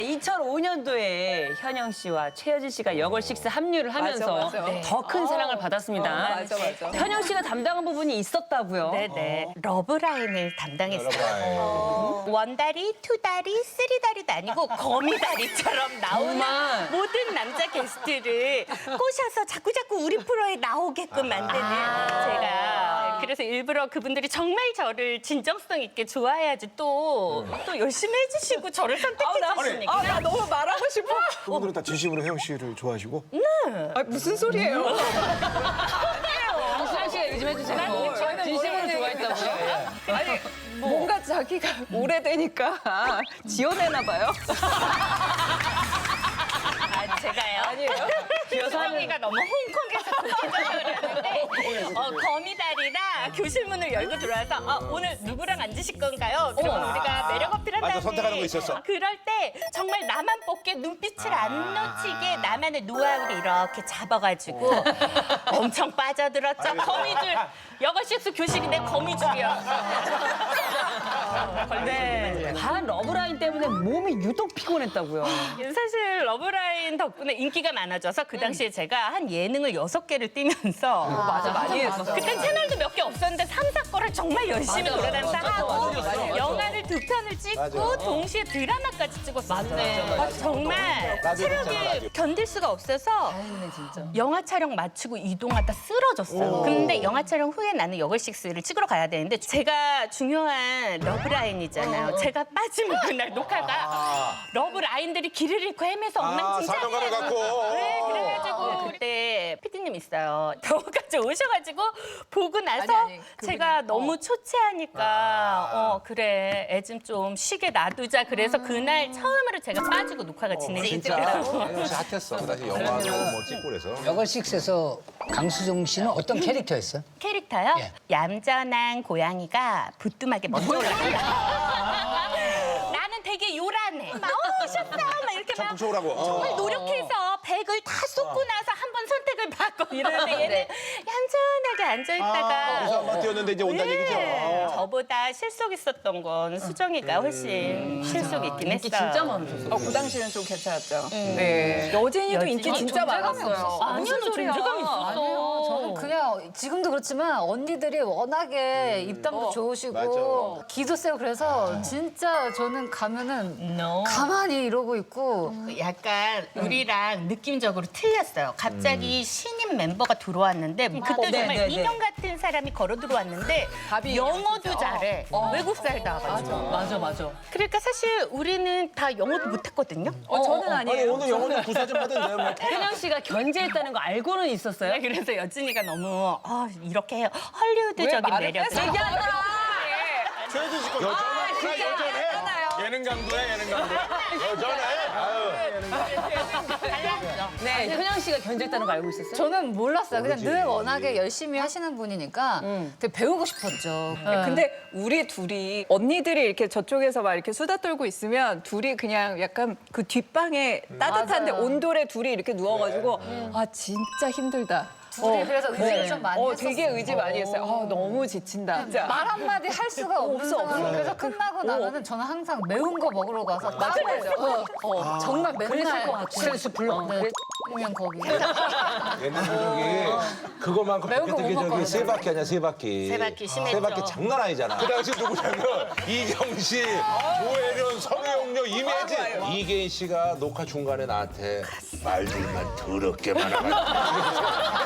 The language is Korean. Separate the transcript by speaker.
Speaker 1: 2005년도에 현영 씨와 최여진 씨가 여걸식스 합류를 하면서
Speaker 2: 맞아.
Speaker 1: 더 큰 사랑을 받았습니다.
Speaker 2: 맞아.
Speaker 1: 현영 씨가 담당한 부분이 있었다고요?
Speaker 3: 네네. 러브라인을 담당했어요. 원다리, 투다리, 쓰리다리도 아니고 거미다리처럼 나오는
Speaker 1: 정말?
Speaker 3: 모든 남자 게스트를 꼬셔서 자꾸 우리 프로에 나오게끔 만드는 제가. 그래서 일부러 그분들이 정말 저를 진정성 있게 좋아해야지 또 열심히 해주시고 저를 선택해 주시니까.
Speaker 2: 나 너무 말하고 싶어.
Speaker 4: 그분들은 다 진심으로 혜영 씨를 좋아하시고?
Speaker 2: 무슨 소리예요?
Speaker 1: 강수란 씨가 얘기 좀 해주세요. 진심으로 좋아했다고요?
Speaker 2: 아니 뭔가 자기가 오래되니까 지어내나 봐요.
Speaker 3: 제가요?
Speaker 2: 아니에요?
Speaker 3: 규성이가 너무 홍콩에서 그랬는데 거미다리랑 교실문을 열고 들어와서 오늘 누구랑 앉으실 건가요? 그러면 우리가 매력 어필한다는데
Speaker 4: 또 선택하는 거 있었어?
Speaker 3: 그럴 때 정말 나만 뽑게 눈빛을 안 놓치게 나만의 노하우를 이렇게 잡아가지고 엄청 빠져들었죠. 거미줄. 여걸식스 교실인데 거미줄이야.
Speaker 1: 네. 반 러브라인 때문에 몸이 유독 피곤했다고요.
Speaker 3: 사실 러브라인 덕분에 인기가 많아져서 그 당시에 제가 한 예능을 6개를 띄면서
Speaker 2: 맞아 많이 했었어.
Speaker 3: 그땐 채널도 몇 개 없었는데 3, 4거를 정말 열심히 돌아다니면서 하고 영화를 2편을 찍고
Speaker 4: 맞아.
Speaker 3: 동시에 드라마까지 찍었어요.
Speaker 1: 맞네.
Speaker 3: 정말
Speaker 4: 라디오 했잖아,
Speaker 3: 체력이
Speaker 4: 라디오.
Speaker 3: 견딜 수가 없어서 영화 촬영 마치고 이동하다 쓰러졌어요. 근데 영화 촬영 후에 나는 여걸식스를 찍으러 가야 되는데 제가 중요한 러브라인이잖아요. 제가 빠지면 그날 녹화가 러브라인들이 길을 잃고 헤매서 엉망진창이에요.
Speaker 4: 사명감을 갖고.
Speaker 3: 네, 그래가지고 그때 PD님 있어요. 더까지 오셔가지고 보고 나서
Speaker 2: 아니,
Speaker 3: 제가 너무 초췌하니까 그래 애 좀 쉬게 놔두자. 그래서 그날 처음으로 제가 빠지고 녹화가
Speaker 4: 진짜
Speaker 3: 진행됐더라고요.
Speaker 4: 혜영 씨 핫했어. 그 당시 영화도 뭐 찍고 그래서.
Speaker 5: 여걸식스에서 강수정 씨는 어떤 캐릭터였어요?
Speaker 3: 캐릭터요?
Speaker 5: 예.
Speaker 3: 얌전한 고양이가 부뚜막에 먼저 올라간다. 나는 되게 요란해. 막 셨어 막 이렇게 막
Speaker 4: 북적북적하고.
Speaker 3: 정말 노력해서 백을 다 쏟고 나서 한 번 선택을 받고 이러는데 얘는 얌전하게 앉아있다가
Speaker 4: 그래서 한번 뛰었는데 이제 온다는 얘기죠.
Speaker 3: 저보다 실속 있었던 건 수정이가 훨씬 실속 있긴 했어요.
Speaker 1: 진짜 많으셨어.
Speaker 2: 그 당시는 좀 괜찮았죠. 네. 여진이도 인기 진짜 많았어요.
Speaker 1: 아니요, 너 존재감 있었어.
Speaker 6: 저는 그냥 지금도 그렇지만 언니들이 워낙에 입담도 좋으시고
Speaker 4: 맞아.
Speaker 6: 기도 세고 그래서 진짜 저는 가면은 가만히 이러고 있고
Speaker 3: 약간 우리랑 느낌적으로 틀렸어요. 갑자기 신인 멤버가 들어왔는데 그때 정말
Speaker 1: 네.
Speaker 3: 인형 같은 사람이 걸어 들어왔는데
Speaker 2: 답이
Speaker 3: 영어도 잘해. 외국 살다 와가지고.
Speaker 1: 맞아.
Speaker 3: 그러니까 사실 우리는 다 영어도 못했거든요.
Speaker 2: 저는
Speaker 4: 아니
Speaker 2: 아니에요.
Speaker 4: 오늘 영어는 구사 좀 하던데요. 뭐.
Speaker 1: 현영 씨가 견제했다는 거 알고는 있었어요?
Speaker 3: 그래서 여진이가 너무 이렇게 해요. 헐리우드적인 매력을.
Speaker 4: 최혜진 씨 거. 여전해. 예능 강도야 예능 강도. 여전해. 아유.
Speaker 1: 네, 현영 씨가 견제했다는 거 알고 있었어요?
Speaker 6: 저는 몰랐어요. 그냥 늘 워낙에 열심히 하시는 분이니까 되게 배우고 싶었죠.
Speaker 2: 근데 우리 둘이 언니들이 이렇게 저쪽에서 막 이렇게 수다 떨고 있으면 둘이 그냥 약간 그 뒷방에 따뜻한데
Speaker 6: 맞아요.
Speaker 2: 온돌에 둘이 이렇게 누워가지고 아 진짜 힘들다.
Speaker 6: 둘이 그래서 의지를 좀 많이 했었어요.
Speaker 2: 되게 의지 많이 했어요. 너무 지친다. 진짜.
Speaker 6: 말 한마디 할 수가 없는 상황. 그래서 끝나고 나면은 저는 항상 매운 거 먹으러 가서 땀을 정말 맨날
Speaker 5: 스트레스 풀러.
Speaker 6: 그냥 거기.
Speaker 4: 옛날 저기 그거만큼
Speaker 6: 매운 거
Speaker 4: 그때
Speaker 6: 못
Speaker 4: 저기
Speaker 6: 먹거든요.
Speaker 4: 세 바퀴 아니야 세 바퀴.
Speaker 3: 세 바퀴 심했죠.
Speaker 4: 세 바퀴 장난 아니잖아. 그 당시 누구냐면 이경씨, 조혜련, 성혜영녀, 이매진. 이계인 씨가 녹화 중간에 나한테 말들만 더럽게 많아가지고